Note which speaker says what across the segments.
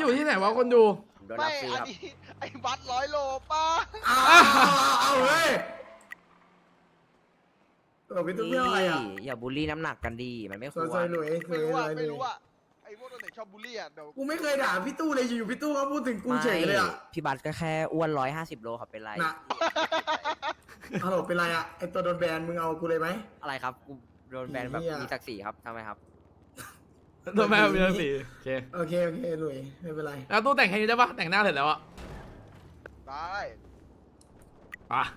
Speaker 1: อยู่ที่ไหนวะคนดู
Speaker 2: โดน
Speaker 3: ไม่
Speaker 2: รับฟรี
Speaker 3: อัน
Speaker 2: ครับ
Speaker 3: นี้ไอ้บัต100 โลป้า
Speaker 4: เอาเว้ยพี่ตุ้ม
Speaker 2: นี่
Speaker 4: เรื่องอะไรอ่ะ
Speaker 2: อย่าบูลลี่น้ำหนักกันดีมันไม่ค
Speaker 4: ซ
Speaker 2: ว
Speaker 4: อย
Speaker 2: ร
Speaker 4: ซอยหลุย
Speaker 3: ไม่รู้อ่ะ
Speaker 4: ซย
Speaker 3: ไม่รู้อ่ะไอ้พวกตัวไหนชอบบูลลี่อ่ะเดี๋ยว
Speaker 4: กูไม่เคยด่าพี่ตู้เลยอยู่ๆพี่ตู้ก็พูดถึงกูเฉยเลยอ่ะ
Speaker 2: พี่บัตก็แค่อ้วน150 โลครับเป็นไร
Speaker 4: น่ะฮัลโหลเป็นไรอ่ะไอตัวโดนแบนมึงเอากูเลยไหม
Speaker 2: อะไรครับกูโดนแบนแบบ
Speaker 4: เหี้ย
Speaker 2: มีศักดิ์ศรีครับทำไมครับ
Speaker 1: โดนแม่มีทั้งสี่โอเค
Speaker 4: โอเคหลุยไม่เป็นไร
Speaker 1: แล้วตู้แต่งแค่นี้ได้ปะแต่งหน้าเสร็จแล้วอะ
Speaker 3: ได้
Speaker 1: ปะ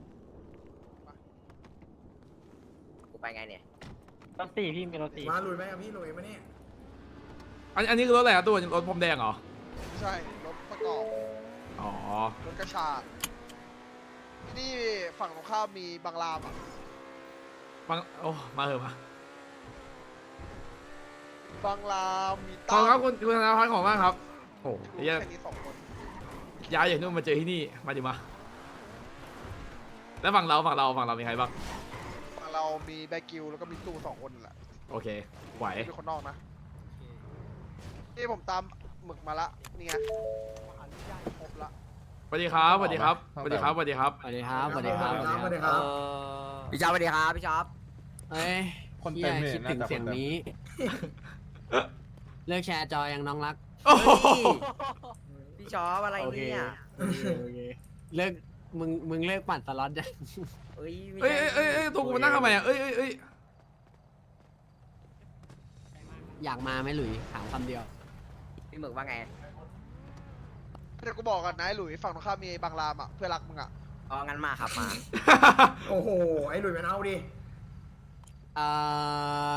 Speaker 2: กูไปไงเนี่ย
Speaker 5: รถสี่พี่มีรถสี่
Speaker 4: มาหลุยไหมกับพี่หลุยมาเนี่ย
Speaker 1: อันนี้คือรถอะไรอะตู้รถพรมแดงเหรอ
Speaker 3: ใช่รถประกอบ
Speaker 1: อ๋อ
Speaker 3: รถกระชากที่นี่ฝั่งตรงข้ามมีบางรามอ่ะ
Speaker 1: ฟังโอ้มาเถอะมา
Speaker 3: บางรามมี
Speaker 1: ขอบคุณครับคุณธนาพัฒน์ของมากครับโอ้โห
Speaker 3: รู้
Speaker 1: เหี้ย
Speaker 3: แค่นี้2 คน
Speaker 1: ย้ายอย่างนู้นมาเจอที่นี่มาดิมาแล้วฝั่งเรามีใครบ้าง
Speaker 3: ฝั่งเรามีแบกิวแล้วก็มีตู้2 คนนั่นแหละ
Speaker 1: โอเคไหว
Speaker 3: เป็นคนนอกนะนี่ผมตามหมึกมาละนี่ไงครบละ
Speaker 1: สวัสดีครับสวัสดีครับสวัสดีครับสวัสดีครับ
Speaker 5: สวัสดีครับสวัสดีครับ
Speaker 4: สวัสดีครับ
Speaker 2: พี่ชอบสวัสดีครับพี่ชอบ
Speaker 5: เอ้ย
Speaker 6: คนเต็มเลย
Speaker 5: คิดถึง
Speaker 6: น่าจะ
Speaker 5: เสียงนี้ เลิกแชร์จอยังน้องรัก
Speaker 1: โอ้โห
Speaker 2: พี่ชอบอะไร
Speaker 5: โอเค
Speaker 2: เนี่ย
Speaker 5: โอเคเลิกมึงเลิกปั่นสล็อตยัง
Speaker 2: เอ้ยไม่
Speaker 1: เอ้ย
Speaker 2: ใช่
Speaker 1: เอ้ยตัวกูมานั่งทำไมอะเอ้ย
Speaker 5: อยากมาไหมหลุยถามคำเดียว
Speaker 2: พี่หมึกว่าไง
Speaker 3: เดี๋ยวกูบอกกันนะไอ้หลุยฝั่งตรงข้ามมีบางรามอ่ะเพื่อนรักมึงอ่ะ
Speaker 2: อ๋องั้นมาครับมา
Speaker 4: โอ้โหไอหลุยมันเอาดิ
Speaker 5: เอ่อ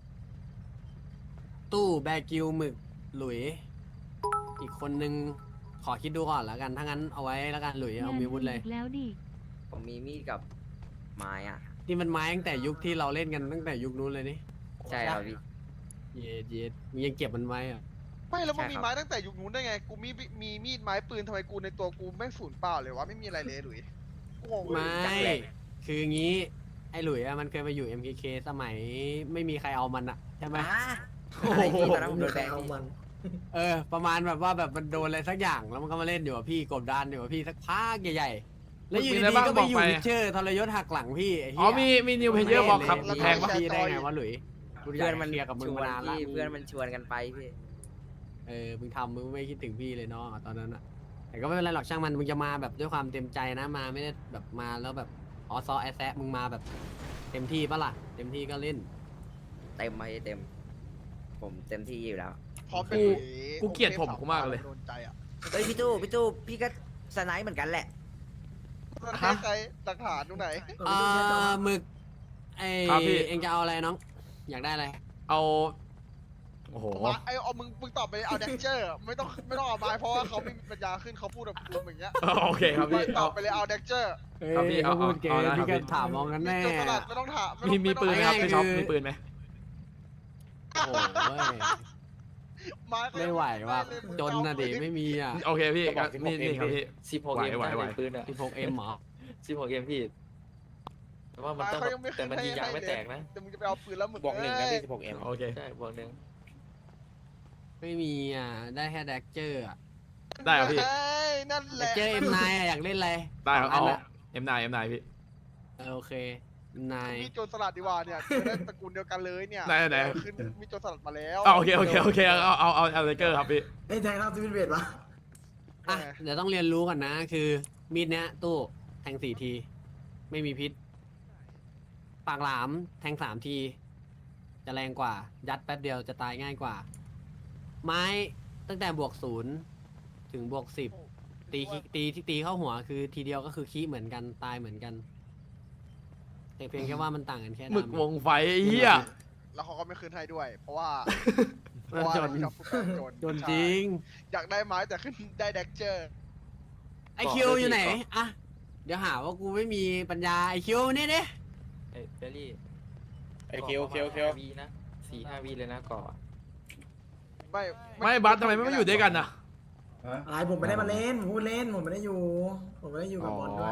Speaker 5: ตู้แบกิวหมึกหลุย อีกคนนึงขอคิดดูก่อนแล้วกันถ้างั้นเอาไว้แล้วกันหลุยเอามีวุธเลย
Speaker 7: แล้วดิ
Speaker 2: ผมมีมีดกับไม้อะ
Speaker 5: นี่มันไม้ตั้งแต่ยุคที่เราเล่นกันตั้งแต่ยุคนู้นเลยนี่
Speaker 2: ใช่ครับพี่
Speaker 5: เย็ดมึงยังเก็บมันไว้อะ
Speaker 3: ไม่แล้วมึง
Speaker 2: ใช่
Speaker 3: มี
Speaker 2: ครับ
Speaker 3: ไม้ตั้งแต่ยุคนู้นได้ไงกูมีมีดไม้ปืนทำไมกูในตัวกูแม่งศูนย์เปล่าเลยวะไม่มีอะไรเลยหลุยกูงงเลย
Speaker 5: ไม่คืองี้ไอ้หลุยอะมันเคยมาอยู่ MKK สมัยไม่มีใครเอามันอะใช่ไหม
Speaker 2: อ่ะอะไรพี่ตอนนั้นผมโดน
Speaker 4: ใคร
Speaker 2: แบน
Speaker 4: เอา
Speaker 2: พี่
Speaker 4: มัน
Speaker 5: ประมาณแบบว่าแบบมันโดนอะไรสักอย่างแล้วมันก็มาเล่นอยู่กับพี่กบดานอยู่กับพี่สักพักใหญ่ๆแล้วอยู่ดีๆก็ไปอยู่วิเชอร์ทรยศหักหลังพี่ไอ้
Speaker 1: อ๋
Speaker 5: เหี้
Speaker 1: อยมีนิวเพเยอร์บอกครับแพงปะ
Speaker 5: พี่ได้ไงวะหลุยกูอยา
Speaker 2: เพื่อก นมัน
Speaker 5: เคลียร์กับมึ
Speaker 2: ช
Speaker 5: ง
Speaker 2: ว
Speaker 5: มาน นานละ
Speaker 2: พี่เพื่อนมันชวนกันไปพี่
Speaker 5: มึงทำมึงไม่คิดถึงพี่เลยเนาะตอนนั้นอะแต่ก็ไม่เป็นไรหรอกช่างมันมึงจะมาแบบด้วยความเต็มใจนะมาไม่ได้แบบมาแล้วแบบอ๋อซอแอแซะมึงมาแบบเต็มที่ปะล่ะเต็มที่ก็เล่น
Speaker 2: เต็มไหมเต็ม ผมเต็มที่อยู่แล้ว
Speaker 3: พร้อมเป็นหลุย
Speaker 1: กูเกลียดผมกูมากเลย
Speaker 3: โดนใจอ่ะ
Speaker 2: เฮ้ยพี่ตู้พี่ก็สไนป์เหมือนกันแหละ
Speaker 3: ใครใครหลักฐานตรงไหน
Speaker 5: หมึกไอ
Speaker 1: ครับพี่
Speaker 5: เองจะเอาอะไรน้อง อยากได้อะไร
Speaker 1: เอาโอ้โห
Speaker 3: มาไอเอามึงตอบไปเอาแดนเจอร์ไม่ต้องเอาไม้เพราะว่าเขาไม่มีปัญญาขึ้นเขาพูดแบบกูอย่างเงี้ย
Speaker 1: โอเคครับพี่
Speaker 3: ตอบไปเลยเอาแดนเจอร์
Speaker 1: ครับพี่เอา
Speaker 5: พูดเก
Speaker 1: เอา
Speaker 5: ม
Speaker 1: ได้ครับ
Speaker 5: พี่ก็
Speaker 1: พี่
Speaker 5: ถามมองกันแน่
Speaker 3: จุดสลัดไม่ต้องถาม
Speaker 1: มีปืนไหมครับพี่ช็อปมีปืนไหม
Speaker 5: โอ้โหเว้ยไม่ไหวว่ะจนนะดิไม่มีอ่ะ
Speaker 1: โอเคพี่นี่ครับพี่
Speaker 6: 16
Speaker 1: ไหว
Speaker 6: ปืนอ่ะ
Speaker 5: 16M เหรอ
Speaker 6: 16 พี่แต่ว่ามันต้องแต่มันยิงยางไม่แตกนะ
Speaker 3: แต่มึงจะไปเอาปืนแล้วมึง
Speaker 6: บวก 1 นะพี่ 16M
Speaker 1: โอเค
Speaker 6: ใช่บวก 1
Speaker 5: ไม่มีอ่ะ ได้แค่แดกเจอร์อ่ะ
Speaker 1: ได้ครับพี่
Speaker 3: นั่นแห
Speaker 5: แดก
Speaker 3: ละ
Speaker 5: เจอร์ M9 อ่ะอยากเล่นอะไร
Speaker 1: ได้ครับเอา
Speaker 5: นละ
Speaker 1: M9 พี่
Speaker 5: โอเค M9
Speaker 3: มีโจรสลัดดีกว่าเนี่ยจะได้ตระกูลเดียวกันเลยเนี่ย
Speaker 1: ไหน
Speaker 3: ขึ้นมีโจรสลัดมาแล้ว
Speaker 1: โอเคเอาเลเกอร์ครับพี่
Speaker 4: ไอ้แทงเราสวิตเวทปะ
Speaker 5: อ่ะเดี๋ยวต้องเรียนรู้ก่อนนะ คือมีดเนี้ยตู้แทง4 ที ไม่มีพิษ ปากหลามแทง3 ที จะแรงกว่า ยัดแป๊บเดียวจะตายง่ายกว่า ไม้ตั้งแต่บวก0ถึงบวก10ตีที่ตีเข้าหัวคือทีเดียวก็คือขี้เหมือนกันตายเหมือนกัน แต่เพียงแค่ว่ามันต่างกันแค่
Speaker 1: หมึก
Speaker 5: ดำ
Speaker 1: วงไฟเฮีย
Speaker 3: แล้วเขาก็ไม่คืนให้ด้วย เพราะว่า
Speaker 5: มันจน
Speaker 3: เราพูดกัน
Speaker 5: จนจริง
Speaker 3: อยากได้ไม้แต่ขึ้นได้แดกเจอร์
Speaker 5: ไอคิวอยู่ไหนอ่ะเดี๋ยวหาว่ากูไม่มีปัญญาไอคิวนี่ดิ
Speaker 6: ไอ้เบลลี่
Speaker 8: ไอ้คิว
Speaker 6: วีนะ4-5 วีเลยนะก่อ
Speaker 1: ไม่บัสทำไมไม่อยู่ด้วยกันนะ
Speaker 4: อะไรผมไม่ได้มาเล่นผมพูดเล่นผมไม่ได้อยู่ ผมไม่ได้อยู่กับบอลด้วย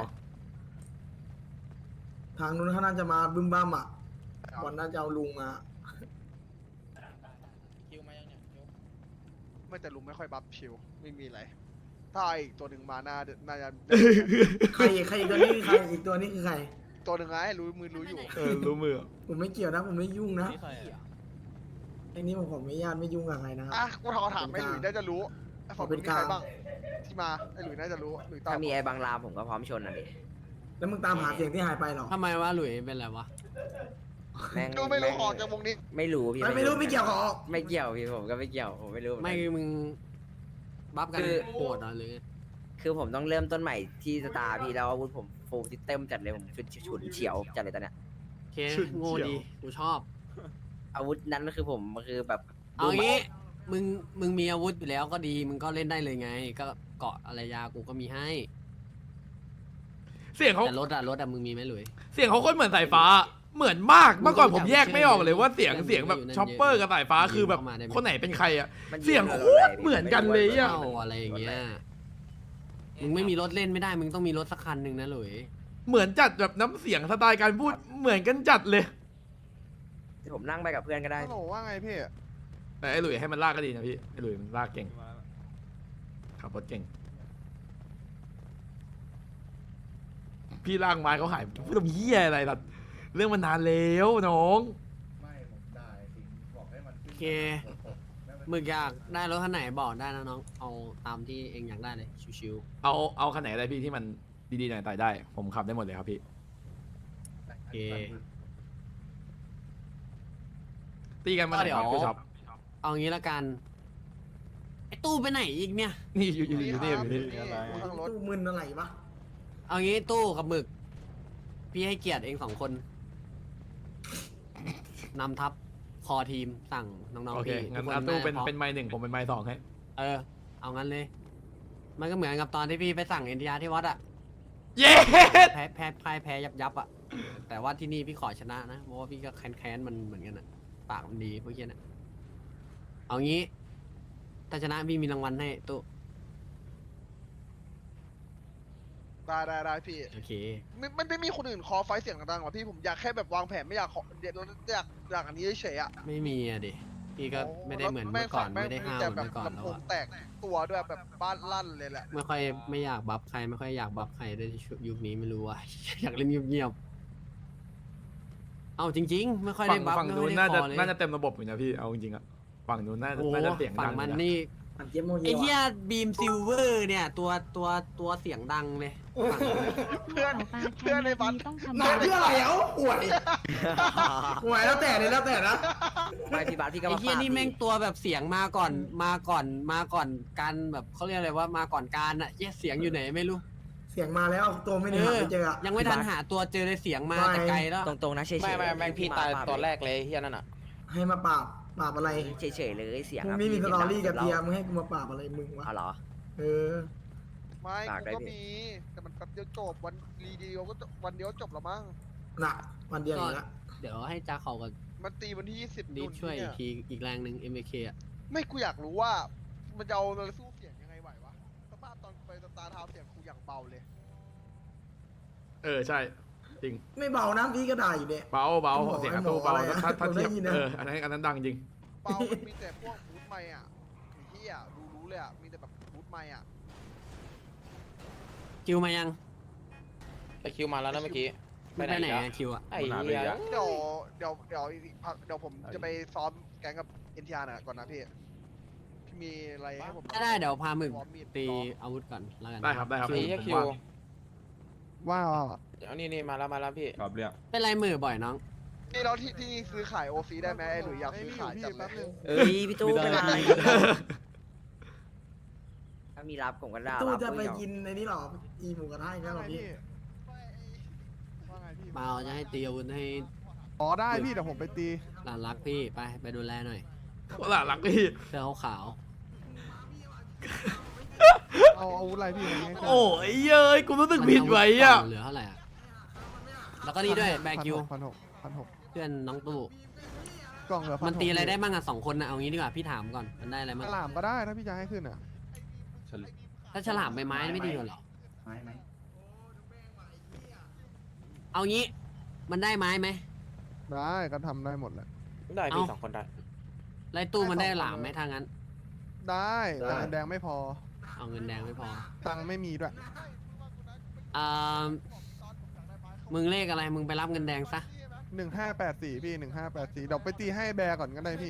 Speaker 4: ทางนู้นเขาน่าจะมาบึ้มบ้ามอ่ะบอลน่าจะเอาลุงมา
Speaker 8: คิวมายังเนี่ยคิว
Speaker 3: ไม่ไม่แต่ลุงไม่ค่อยบัฟชิวไม่มีอะไรถ้าอีกตัวหนึ่งมาน่าจะ
Speaker 4: ใครอีกตัวนี้คือใครอีกตัวนี้คือใคร
Speaker 3: ตัวหนึ่งไงรู้อยู่
Speaker 1: รู้มือ
Speaker 4: ผมไม่เกี่ยวนะผมไม่ยุ่งนะไอ้นี่ผมไม่ญาติไม่ยุ่งกับใครนะครับ
Speaker 3: อ่ะกูถามไอ้หลุยน่าจะรู้ไอ้ฝั่งนู้นมีใครบ้างที่มาไอ้หลุยน่าจะรู้หลุยตอบ
Speaker 2: ถ้ามีไอ้บางรามผมก็พร้อมชนอ่ะดิ
Speaker 4: แล้วมึงตามหาเสียงที่หายไปเหรอ
Speaker 5: ทำไมวะหลุยเป็นไรวะ
Speaker 2: แม่ง
Speaker 3: ดูไม่รู้ออกจากวงนี้
Speaker 2: ไม่รู้พี่
Speaker 4: ไม่รู้ไม่เกี่ยวกับออก
Speaker 2: ไม่เกี่ยวพี่ผมก็ไม่เกี่ยวผมไม่รู้เหอนกัน
Speaker 5: ไม่คือมึงบัฟกัน
Speaker 2: คือ
Speaker 5: โหดเหรอหรือไง
Speaker 2: คือผมต้องเริ่มต้นใหม่ที่สตาร์พี่แล้วอาวุธผมฟูลซิสเต็มจัดเลยผมฉุนเฉียวจัดเลยตอนเนี้ย
Speaker 5: โอเคโง่ดีกูชอบ
Speaker 2: อาวุธนั้นก็คือผมคือแบบ
Speaker 5: เอางี้มึงมีอาวุธอยู่แล้วก็ดีมึงก็เล่นได้เลยไง ก็เกาะอะไรยากูก็มีให้
Speaker 1: เสียงเขา
Speaker 5: แต่รถอะมึงมีไหมหลุย
Speaker 1: เสียงเขาโคตรเหมือนสายฟ้า เหมือนมาก เมื่อก่อนผมแยกไม่ออกเลยว่าเสียงแบบช็อปเปอร์กับสายฟ้าคือแบบคนไหนเป็นใครอะ
Speaker 2: มัน
Speaker 1: เสียงโคตรเหมือนกันเลยอะ
Speaker 5: เข้าอะไรอย่างเงี้ยมึงไม่มีรถเล่นไม่ได้มึงต้องมีรถสักคันหนึ่งนะหลุย
Speaker 1: เหมือนจัดแบบน้ำเสียงสไตล์การพูดเหมือนกันจัดเลย
Speaker 2: ผมนั่งไปกับเพื่อนก็ได้
Speaker 3: ฮัลโหลว่าไงพี่
Speaker 1: แต่ไอ้หลุยให้มันลากก็ดีนะพี่ไอ้หลุยมันลากเก่งขับรถเก่ง พี่ลากไม้เขาหายพูดทำเหี้ยอะไรล่ะเรื่องมันนานแล้วน้อง
Speaker 5: โอเคมึงอยากได้รถคันไหนบอกได้นะน้องเอาตามที่เองอยากได้เลยชิว
Speaker 1: เอาคันไหนอะไรพี่ที่มันดีๆหน่อยต่อยได้ ผมขับได้หมดเลยครับพี่
Speaker 5: ๆโอเค
Speaker 1: ตีกันมาไหนครับพี่ช็อป
Speaker 5: เอางี้ละกันไอ้ตู้ไปไหนอีกเนี่ย
Speaker 1: นี่อยู่นี่อยู่นี่
Speaker 3: ทางรถ
Speaker 4: ตู้มึนอะไรวะ
Speaker 5: เอางี้ตู้กับหมึก พี่ให้เกียรติเอง2 คนนำทัพคอทีมสั่งน้อง
Speaker 1: โอ
Speaker 5: ๆ
Speaker 1: เค
Speaker 5: พี่
Speaker 1: งั้น
Speaker 5: ทุกค
Speaker 1: อาตู้เป็น
Speaker 5: ได้พร้อม
Speaker 1: ไม้หนึ่งผมเป็นไม้สองให้
Speaker 5: เออ เอางั้นเลย มันก็เหมือนกับตอนที่พี่ไปสั่งเอ็นทีอาร์ที่วัดอะ
Speaker 1: เย้
Speaker 5: แพ้ยับอะแต่ว่าที่นี่พี่ขอชนะนะเพราะว่าพี่ก็แค้นมันเหมือนกันอะปากมันดีพวกเนี้ยนะเอางี้ ถ้าชนะพี่มีรางวัลให้ตู้
Speaker 3: ได้พี่
Speaker 5: โอเค
Speaker 3: ไม่มีคนอื่นคอไฟเสียงดังๆหรอพี่ผมอยากแค่แบบวางแผนไม่อยากเดี๋ยวอยากอันนี้เฉยๆอ่ะ
Speaker 5: ไม่มีอะดิพี่ก็ไม่ได้เหมือนเมื่อก่อนไม่ได้ห้าวเหมือนเมื่อก่อน
Speaker 3: ลำ
Speaker 5: แล้
Speaker 3: โพ
Speaker 5: ว
Speaker 3: ง
Speaker 5: อะ
Speaker 3: แตกตัวด้วยแบบบ้านลั่นเลยแหละ
Speaker 5: ไม่อยากบัฟใครไม่ค่อยอยากบัฟใครด้วยยุคนี้ไม่รู้ว่า อยากเล่นเงียบๆเอาจริง ๆ ไม่ค่อยได้บัฟ
Speaker 1: ฝั่ง
Speaker 5: ไม่
Speaker 1: นู้
Speaker 5: ค่อน ยได้
Speaker 1: น่า
Speaker 5: ค
Speaker 1: จะ
Speaker 5: อเลย
Speaker 1: น่าจะเต็มระบบอยู่นะพี่เอาจริงๆอะฝั่งนู้นน่า
Speaker 5: โอ้โห
Speaker 1: จะเสียง
Speaker 5: ฝั่
Speaker 1: ดั
Speaker 5: ง
Speaker 1: ง
Speaker 5: มัน
Speaker 1: อยู่ะ
Speaker 5: นี่
Speaker 4: มันเจี๊ยบโมเย
Speaker 5: ไอ้เหี้ย
Speaker 4: ว่ะ
Speaker 5: บีมซิลเวอร์เนี่ยตัวเสียงดังเลยฝั่งนั้น
Speaker 3: เพื่อนในบัส
Speaker 7: ต้องทำ
Speaker 4: หนักเพื่ออะไรเอ้าป่วยป่วยแล้วแต่เลยแล้วแต่นะ
Speaker 2: ไม่พี่บาสพี่ก็
Speaker 5: ไอ้
Speaker 2: มา
Speaker 5: เหี้ย
Speaker 2: ปาด
Speaker 5: นี่แม่งตัวแบบเสียงมาก่อนการแบบเขาเรียกอะไรว่ามาก่อนการอะเหี้ยเสียงอยู่ไหนไม่รู้
Speaker 4: เสียงมาแล้วตัวไม่ได้หาไม่เจออะ
Speaker 5: ยังไม่ทันหาตัวเจอเลยเสียงมาแต่ไกลแล้ว
Speaker 2: ตรงๆนะเฉยๆ
Speaker 6: ไม่แม่งพี่ตายตอนแรกเลยเฮียนั่นอ่ะ
Speaker 4: ให้มาปราบอะไร
Speaker 2: เฉยๆเลยเสียง
Speaker 4: มึง
Speaker 2: อะ
Speaker 4: นี่มี
Speaker 2: พี่
Speaker 4: สตอรี่กับ
Speaker 2: เรา
Speaker 4: เทียมึงให้กูมาปราบอะไรมึงวะ
Speaker 2: อ๋อเหรอ
Speaker 4: เออ
Speaker 3: ไม่
Speaker 2: ฝากได้
Speaker 3: กูก็
Speaker 2: พี่
Speaker 3: มีแต่มันแป๊บเดียวจบวันรีเดียวก็จบวันเดียวจบแล้วมั้ง
Speaker 4: น่ะวันเดียวอยู่ละ
Speaker 5: เดี๋ยวให้จ้าเขากับ
Speaker 3: มันตีวันที่20
Speaker 5: ดิ
Speaker 3: นู่
Speaker 5: ฟ
Speaker 3: น
Speaker 5: ช่วยอี
Speaker 3: เนี่
Speaker 5: กทีอีกแรงหนึ่ง MK อ่ะ
Speaker 3: ไม่กูอยากรู้ว่ามันจะเอาอะไรสู้เสียงยังไงไหววะสภาพตอนไปสตาร์ทาวน์เสียงกูอย่างเบาเลย
Speaker 1: ใช่จริง
Speaker 4: ไม่เบานะพี่ก็ได้อยู่เนี่ย
Speaker 1: เบาเสียงอาตู้เบาถ้า
Speaker 4: ผมได้
Speaker 1: เทียบ
Speaker 4: ยินนะ
Speaker 1: อันนั้นดังจริง
Speaker 3: เบามันมีแต่พวกบูทไมค์อ่ะไอ้เหี้ยรู้เลยอ่ะมีแต่แบบบูทไมค์อ่ะ
Speaker 5: คิวมายัง
Speaker 6: ไปคิวมาแล้วนะเมื่อกี้
Speaker 5: ไปไหน
Speaker 6: อีก
Speaker 5: อะคิวอะ
Speaker 6: ไอ้เหี้ย
Speaker 3: เดี๋ยวผมจะไปซ้อมแก๊งกับเอ็นทีอาร์น่ะก่อนนะพี่พี่มีอะไรให้ผม
Speaker 5: ได้เดี๋ยวพาหมึก
Speaker 3: ซ้อมีด
Speaker 5: ตี
Speaker 3: ซ้อม
Speaker 5: อาวุธก่อนแล้วกัน
Speaker 1: ได้ครับ
Speaker 6: ไอ้เหี้ย
Speaker 1: ผม
Speaker 6: คิว
Speaker 1: ว่าง
Speaker 3: ว้าว
Speaker 6: เดี๋ยวนี่มาแล้วพี่
Speaker 8: ครับเรื่อง
Speaker 5: เป็นไรมือบ่อยน้อง
Speaker 3: นี่เราที่ซื้อขายโอซีได้ไหมไอ้หรืออยากซื้อขายจังเลย
Speaker 2: เอ้ยพี่ตู้เป็นไรถ้ามีรับผมก็ได้
Speaker 4: ตู้
Speaker 2: รับ
Speaker 4: จะไป
Speaker 2: พี่เอา
Speaker 4: กินในนี้หรออีหมูกระทะอีกแล้วเหรอพี่
Speaker 3: ว่าไงพี่
Speaker 5: มาเอาจะให้ตีอาวุธให้
Speaker 3: อ๋อได้พี่เดี๋ยวผมไปตี
Speaker 5: หลานรักพี่ไปดูแลหน่อย
Speaker 1: หล่ะรักพี่
Speaker 5: เสื้อขาว
Speaker 3: เอาอาวุธอะไรพี่วันนี้
Speaker 1: โอ้ยเย้ยกูรู้สึก
Speaker 5: ๆ
Speaker 1: ผิดไว้อะ
Speaker 5: เหลือเท่าไหร่อะแล้วก็นี่ด้วยแบคิว
Speaker 3: 1,600
Speaker 5: เพื่อนน้องตู้
Speaker 3: กล่องเหลือ
Speaker 5: มันตีอะไรได้บ้างอะ2 คนนะเอางี้ดีกว่าพี่ถามก่อนมันได้อะไรบ้าง
Speaker 3: ฉลามก็ได้ถ้าพี่จะให้ขึ้นอ่ะ
Speaker 5: ถ้าฉลามใบไม้ไม่ดีกว่าเหรอ
Speaker 4: ไม่
Speaker 5: เอางี้มันได้ไม้ไหม
Speaker 3: ได้ก็ทำได้หมดแหละ
Speaker 6: ได้พี่
Speaker 5: เอ้า
Speaker 6: 2 คนได้
Speaker 5: ไล่ตู้มันได้หลามไหมถ้างั้น
Speaker 3: ได้แต่เงินแดงไม่พอ
Speaker 5: เอาเงินแดงไม่พอ
Speaker 3: ตังค์ไม่มีด้วย
Speaker 5: อ่ามึงเลขอะไรมึงไปรับเงินแดงซะ
Speaker 3: 1584พี่1584เดี๋ยวไปตีให้แบร์ก่อนก็ได้พี่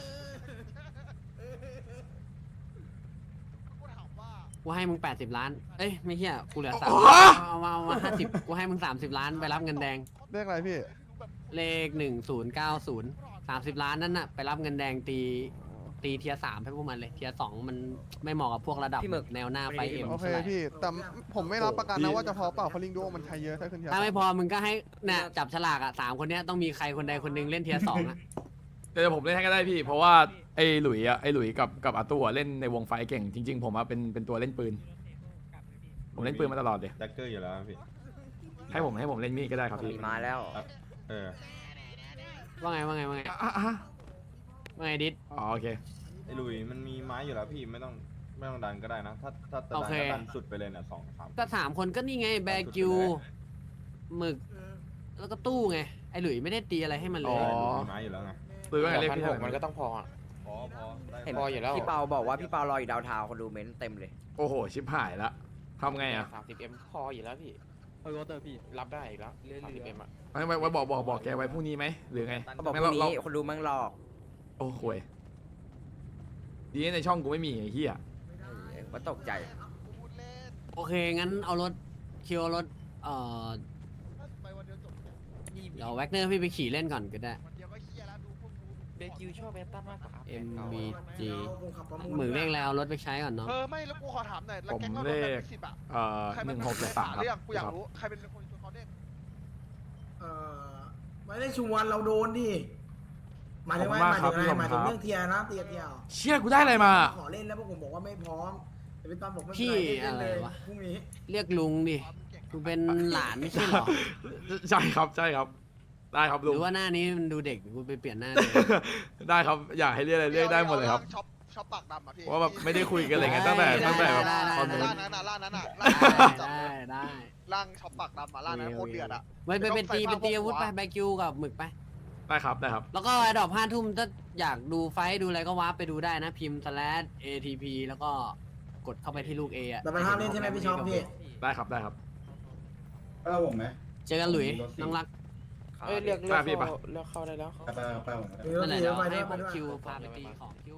Speaker 5: กูให้มึง80 ล้านเอ้ยไม่เฮียกูเหลือ
Speaker 1: โอ้
Speaker 5: 30เอามา50กูให้มึง30 ล้านไปรับเงินแดง
Speaker 3: เรียกอะไรพี่
Speaker 5: เลข1090 30 ล้านนั่นน่ะไปรับเงินแดงตีเทียร์3ให้พวกมันเลยเทียร์2มันไม่เหมาะกับพวกระดับ
Speaker 2: พี่หมึก
Speaker 5: แนวหน้าไฟเอ็ม
Speaker 3: โอเค
Speaker 5: เท่าไหร่
Speaker 3: พี่แต่ผมไม่รับประกันนะว่าจะพอเปล่าเพราะลิงดูมันใช้เยอะถ้าขึ้นเทียร์
Speaker 5: ถ้าไม่พอมึงก็ให้เนี่ยจับฉลากอ่ะ3คนเนี้ยต้องมีใครคนใดคนหนึ่งเล่นเทียร์2อ่ะ
Speaker 1: เดี๋ยวผมเล่นให้ก็ได้พี่ เพราะว่าไอ้หลุยกับอาตัวเล่นในวงไฟเก่งจริง ๆ ผมอะเป็นตัวเล่นปืน ผมเล่นปืนมาตลอดเลย
Speaker 7: แจ็คเกอร์อยู่แล้วพี่
Speaker 1: ให้ผมเล่นมีดก็ได้ครับ
Speaker 2: มี
Speaker 1: พี่
Speaker 2: มาแล้ว
Speaker 7: เออ
Speaker 5: ว่าไง
Speaker 1: อ่ะ
Speaker 5: ว่าไงดิด
Speaker 1: อ๋อโอเค
Speaker 7: ไอ้ลุยมันมีไม้อยู่แล้วพี่ไม่ต้องดันก็ได้นะ ถ้าจะดัน
Speaker 5: โอเค
Speaker 7: ก็ดันสุดไปเลยเนี่ย2-3
Speaker 5: ก็3คนก็นี่ไงแบร์กิวหมึกแล้วก็ตู้ไงไอหลุยไม่ได้ตีอะไรให้มันเล
Speaker 1: อ๋
Speaker 5: ย
Speaker 1: อ
Speaker 7: มีไม้อยู่แล้วไง
Speaker 1: หรือว่าไงเรียกพี่
Speaker 6: มันก็ต้องพออะ
Speaker 7: พอได้
Speaker 2: เห็น
Speaker 6: พออยู่แล้ว
Speaker 2: พี่เปาบอกว่าพี่เปารออยู่ดาวเทาวน์คนดูเม้นต์เต็มเลย
Speaker 1: โอ้โหชิบหายละทำไงอ่ะ
Speaker 6: 30M พออยู่แล้วพี่รับได้อีกแล้ว 30M อ่ะ
Speaker 1: ไว้บอกแกไว้พรุ่งนี้ไหมหรือไง
Speaker 2: เขาบอก
Speaker 1: ไม่
Speaker 2: พรุ่ง
Speaker 1: เรา
Speaker 2: นี้คนดูแม่งหลอก
Speaker 1: โอ้โหยดีนะในช่องกูไม่มีไอ้เหี้ย
Speaker 2: ว่าตกใจ
Speaker 3: พูดเล่น
Speaker 5: โอเคงั้นเอารถคิวเอารถ
Speaker 3: ไปวันเดียวจบ
Speaker 5: เดี๋ยวแว็กเนอร์พี่ไปขี่เล่นก่อนก็ได้
Speaker 3: วันเดียวก็เฮียแล้วดูพวกกู
Speaker 6: เบคิวชอบแบนตันมากกว่า
Speaker 5: MVG
Speaker 4: ผมขับประมูล
Speaker 5: หมึกเร่งแล้วเอารถไปใช้ก่อนเนาะ
Speaker 3: ไม่แล้วกูขอถามหน่อยแล้ว
Speaker 1: ผม
Speaker 3: แก๊งเรา
Speaker 1: เล
Speaker 3: โดนแบ
Speaker 1: ข
Speaker 3: บ10อ่ะใคร
Speaker 1: ห
Speaker 3: เป็
Speaker 1: นึ่
Speaker 3: น
Speaker 1: งหก
Speaker 3: ใคร
Speaker 1: สาม
Speaker 3: เรื่องกูอยากรู้ใครเป็นคนชวนเขาเล่น
Speaker 4: ไม่ได้ชวนเราโดนดิหมายถึงว่าหมายถึงอะไรหมายถึงเรื่องเทียร์นะเทียร์
Speaker 1: เชี่ยกูได้อะไรมา
Speaker 4: ขอเล่นแล้วพวกผมบอกว่าไม่พร้อมแต่พี่ตอนบอกไม่
Speaker 5: พี่
Speaker 4: เป็นไรเล่นเลย
Speaker 5: อะไรวะ
Speaker 4: พรุ่งนี้
Speaker 5: เรียกลุงดิกูเป็นหลานไม่ใช่เหรอ
Speaker 1: ใช่ครับได้ครับ
Speaker 5: ห
Speaker 1: ลุง
Speaker 5: รือว่าหน้านี้มันดูเด็กกูไปเปลี่ยนหน้าเลย
Speaker 1: ได้ครับอยากให้เรียกอะไรเรียกได้หมดเลยครับ
Speaker 3: ช็อปปากดำอ่ะพี่
Speaker 1: เพราะว่าแบบไม่ได้คุยกันอะไรเงี้ยตั้งแต่แบบตอนนู้น
Speaker 3: ร้านนั้นอ่ะร้านนั้นอ่ะ
Speaker 5: ได้
Speaker 3: ร่างช็อปปากดำอ่ะร้านนั้นโคตรเดือดอ่ะ
Speaker 5: ไว้ไปเป็นตีอาวุธไปแบคิวกับหมึกไป
Speaker 1: ได้ครับ
Speaker 5: แล้วก็ไอ้ดอก5 ทุ่มถ้าอยากดูไฟท์ดูอะไรก็วาร์ปไปดูได้นะพิมพ์ /ATP แล้วก็กดเข้าไปที่ลูก A อ่ะ
Speaker 4: แต่มันห้ามเล่นใช่ไหมพี่ช็อปพี่
Speaker 1: ได้ครับ
Speaker 8: ป้าผมไหม
Speaker 5: เจอกันหลุยน้องรัก
Speaker 6: เอ้ยเรียก
Speaker 1: ป้าพี่ปะ
Speaker 6: เข้าได้แล้ว
Speaker 8: ป้าผม
Speaker 5: นั่นแหละเดี๋ยว
Speaker 4: ไป
Speaker 5: ให้
Speaker 4: ด้วย
Speaker 5: พ
Speaker 4: ไป
Speaker 5: วก
Speaker 4: ด้วย
Speaker 5: คิวพาไปตีของคิว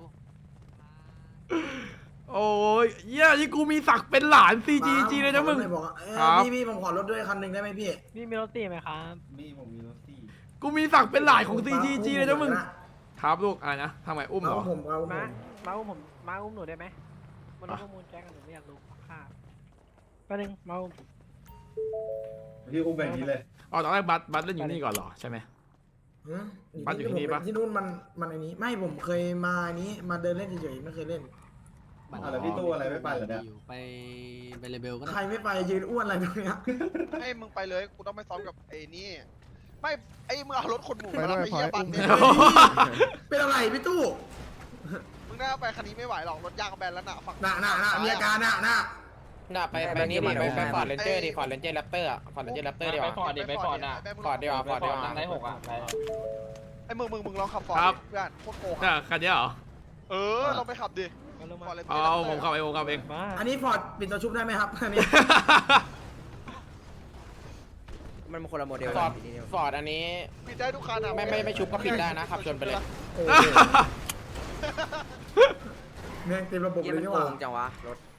Speaker 1: โอ้ยเหี้ยนี่กูมีศักดิ์เป็นหลาน CGG เลยนะมึง
Speaker 4: บอกว่า
Speaker 1: ครับ
Speaker 4: พี่ผมขอรถด้วยคันหนึ่งได้ไหมพี่
Speaker 9: พี่มีรถตีไหมครับ
Speaker 8: นี่ผมมีรถสี่
Speaker 1: กูมีศักดิ์เป็นหลานของ CGG เลยนะมึงครับลูกอะไรนะทำไมอุ้มเหร
Speaker 4: เอา
Speaker 1: อ
Speaker 4: ผมเอาผม
Speaker 9: มาอุ้มผมมาอุ้มหนูได้ไหมมันรู้ข้อมูลแจ้งกันหนูไม่อยากรู้ค่าแป๊บนึงมาอุ้ม
Speaker 8: พี่อุ้มแบบนี้เลย
Speaker 1: อ๋อตอนแรกบัสเล่นอยู่นี่ก่อนเหรอใช่ไหม บ้านอยู่ที่นี่ปะ
Speaker 4: ที่นู่นมันอันนี้ไม่ผมเคยมาอันนี้มาเดินเล่นเฉยๆไม่เคยเล่น
Speaker 8: แล้วพี่ตู้อะไรไม่ไปเหรอเนี่ย
Speaker 5: ไปเลเบลก็
Speaker 4: ใคร
Speaker 5: ได้
Speaker 4: ไม่ไปยืนอ้วนอะไรตรงเนี้ย
Speaker 3: ให้มึงไปเลยกูต้องไปซ้อมกับไอ้นี่ไม่ไอ้มึงเอารถขนหมูไปมาด้แล้ว วยไปเฮียบันเนี่ย
Speaker 4: เป็นอะไรพี่ตู้
Speaker 3: มึงน่าไปคันนี้ไม่ไหวหรอกรถยางกับแบนแล้วน่ะฝั่ง
Speaker 4: น่ะมีอาการน่ะ
Speaker 6: น่ะไปนี่ดิไปฟอร์ดเรนเจอร์ดิฟอร์ดเรนเจอร์แรปเตอร์อ่ะฟอร์ดเรนเจอร์แรปเตอร์ดีกว่า
Speaker 3: ไปฟอร์ดน่ะ
Speaker 6: ฟอร์ดดีกว่าฟอร์ดดีกว่า
Speaker 3: ไอ้มึงลองขับฟอร์ด
Speaker 1: ครับ
Speaker 3: เพื่อนโคตรโกง
Speaker 1: เนี่ยคันนี้เหรอ
Speaker 3: ลองไปขับดิ
Speaker 9: มาลง
Speaker 3: ฟ
Speaker 9: มา
Speaker 3: อร์ดเลย
Speaker 1: เอาผมขับเอง
Speaker 9: มา
Speaker 4: อันนี้ฟอร์ดปิดตัวชุบได้ไหมครับอันนี้
Speaker 2: มันคนละโมเดล
Speaker 6: ฟอร์ดฟอร์ดอันนี้
Speaker 3: ปิดได้ทุกคันอ่ะ
Speaker 6: ไม่ชุบก็ปิดได้นะขับชนไปเลย
Speaker 4: โอ้โหแม่งเต็มระบบ
Speaker 2: เยี่ย
Speaker 4: เล
Speaker 2: มั
Speaker 4: ย
Speaker 2: น
Speaker 4: นี่
Speaker 2: โก
Speaker 4: หว่าง
Speaker 3: ไ